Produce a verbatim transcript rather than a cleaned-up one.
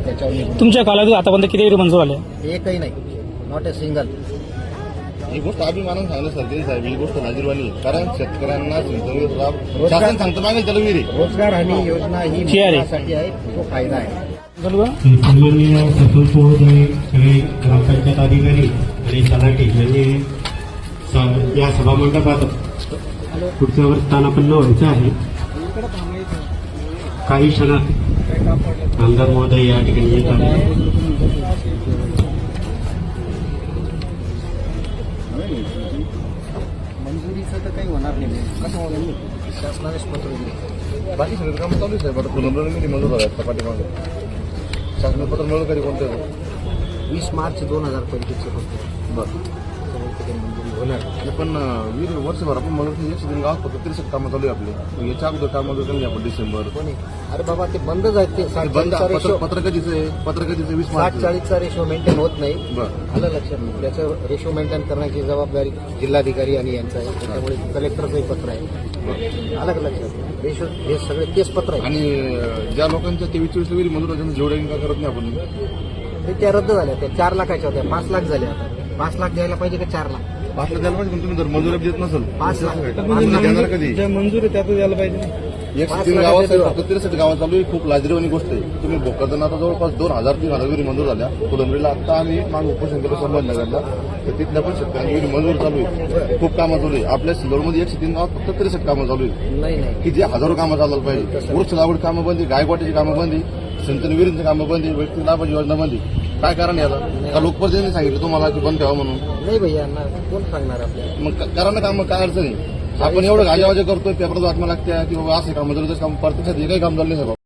त्याच्यावर निघून तुमच्या कालावधीत आतापर्यंत किती विहिरी मंजूर आले? एकही नाही, नॉट अ सिंगल. ही गोष्ट अभिमानानं सांगितलं सरदेन साहेब, ही गोष्ट लाजीरवाणी. कारण शेतकऱ्यांना सिंचन लाभ शासन सांगतं मागेल त्याला विहिरी. रोजगार हमी योजना ही जी आहे. मुलांसाठी आहे, तो फायदा आहे. सन्माननीय सतत महोदय, सगळे ग्रामपंचायत अधिकारी आणि तलाठी यांनी स- या सभामंडपात पुढच्या वर स्थानापन्न व्हायचं आहे. काही क्षणात आमदार महोदय या ठिकाणी येत आहेत. मंजुरीचं तर काही होणार नाही. कसं होणार? शासनानेच पत्र दिले. बाकी सगळं कामं चालू आहे साहेब. आता पुनर्नवी मंजूर झाला आहे पाठीमागे. शासन पत्र मिळवलं कधी कोणतं? वीस मार्च दोन हजार पंचवीसचं फक्त बरं. मंजुरी होणार. पण वीर वर्षभर आपण म्हणून एकशे दिन गावात फक्त त्रेसष्ट कामं चालू आहे आपले. याच्या अगोदर कामं जर कमी आपण डिसेंबर कोणी अरे बाबा ते बंदच आहेत. ते साठ बंद चाळीसचा पत्र रेशो पत्र कधीच आहे? पत्र कधीच वीस साठ मार्च. चाळीसचा रेशो मेंटेन होत नाही. बरं. आलं लक्षात. त्याचं रेशो मेंटेन करण्याची जबाबदारी जिल्हाधिकारी आणि यांचं आहे. त्याच्यामुळे कलेक्टरचंही पत्र आहे. आलं का लक्षात? रेशो हे सगळे तेच पत्र आहे. आणि ज्या लोकांच्या तेवीस चोवीस विहिरी मंजूर होत्या जेवढ्या का करत नाही आपण. ते त्या रद्द झाल्या. त्या चार लाखाच्या होत्या, पाच लाख झाल्या. आता पाच लाख द्यायला पाहिजे का चार लाख? पाच लाख द्यायला पाहिजे. पण तुम्ही जर मंजुरी देत नसेल पाच लाख देणार कधी? मंजूर आहे त्यातच द्यायला पाहिजे. एक तीन गावात फक्त त्रेसष्ट गावात चालू आहे. खूप लाजरीवाणी गोष्ट आहे. तुम्ही भोकरदन आता जवळपास दोन हजार तीन हजार विहिरी मंजूर झाल्या. फुलंब्रीला आता आम्ही मागे उपोषण केलं संभाजीनगरला, तर तिथल्या पण शेतकऱ्यांनी विहिरी मंजूर चालू आहे. खूप कामं चालू आहे. आपल्या सिल्लोडमध्ये एकशे तीन गावात फक्त त्रेसष्ट कामं चालू आहे, नाही नाही की जे हजारो कामं चालवलं पाहिजे. वृक्ष लागवड कामं बंदी, गायकवाटीची कामं बंदी, सिंचन विहिरींची कामं बंदी, वैयक्तिक लाभाची योजना बंदी. काय कारण याला? का लोकप्रतिनिधींनी सांगितलं तुम्हाला की बंद ठेवा म्हणून? नाही भैया ना, कोण सांगणार आपल्याला? मग करा ना काम, काय अडचण आहे? आपण एवढं गाजावाजा करतोय, पेपरात बातम्या लागत्या की बाबा असं काम मंजुरीचं काम, प्रत्यक्षात हे काही काम झालं नाही साहेब.